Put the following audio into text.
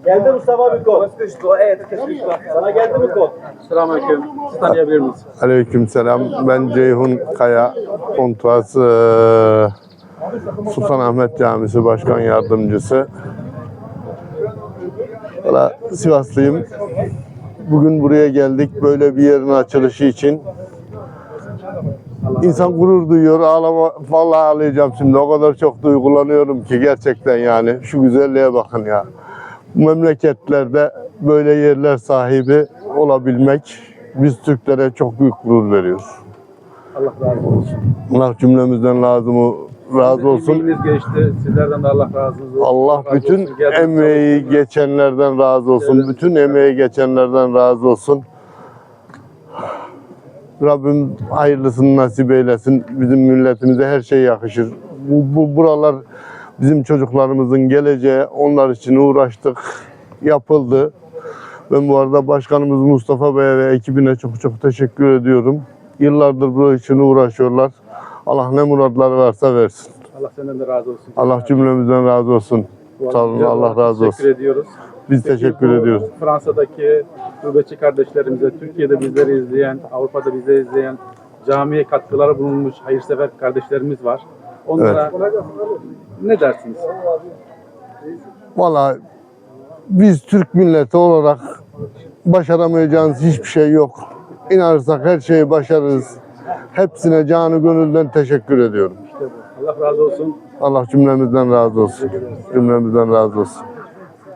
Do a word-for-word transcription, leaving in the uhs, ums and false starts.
Geldi Mustafa bir kod. Sana geldi mi kod? Selamünaleyküm. Sizi tanıyabilir miyiz? Aleykümselam. Ben Ceyhun Kaya, Kontras eee, Sultanahmet Camisi Başkan Yardımcısı. Valla Sivaslıyım. Bugün buraya geldik böyle bir yerin açılışı için. İnsan gurur duyuyor. Ağlama, vallahi ağlayacağım şimdi. O kadar çok duygulanıyorum ki gerçekten yani. Şu güzelliğe bakın ya. Bu memleketlerde böyle yerler sahibi olabilmek biz Türklere çok büyük gurur veriyor. Allah razı olsun. Allah cümlemizden lazım razı olsun. Emeğiniz geçti. Sizlerden de Allah razı olsun. Allah razı bütün olsun. Geldiniz, emeği çalıştınız. geçenlerden razı olsun. Evet. Bütün emeği geçenlerden razı olsun. Rabbim hayırlısını nasip eylesin. Bizim milletimize her şey yakışır. Bu, bu buralar bizim çocuklarımızın geleceği. Onlar için uğraştık. Yapıldı. Ben bu arada başkanımız Mustafa Bey'e ve ekibine çok çok teşekkür ediyorum. Yıllardır bu için uğraşıyorlar. Allah ne muratları varsa versin. Allah senden de razı olsun. Allah cümlemizden razı olsun. Sağ olun, Allah razı olsun. Teşekkür ediyoruz. Biz Peki teşekkür bu ediyoruz. Fransa'daki gurbetçi kardeşlerimize, Türkiye'de bizleri izleyen, Avrupa'da bizleri izleyen, camiye katkıları bulunmuş hayırsever kardeşlerimiz var. Onlara ne dersiniz? Vallahi biz Türk milleti olarak başaramayacağımız hiçbir şey yok. İnanırsak her şeyi başarırız. Hepsine canı gönülden teşekkür ediyorum. İşte bu. Allah razı olsun. Allah cümlemizden razı olsun. Cümlemizden razı olsun.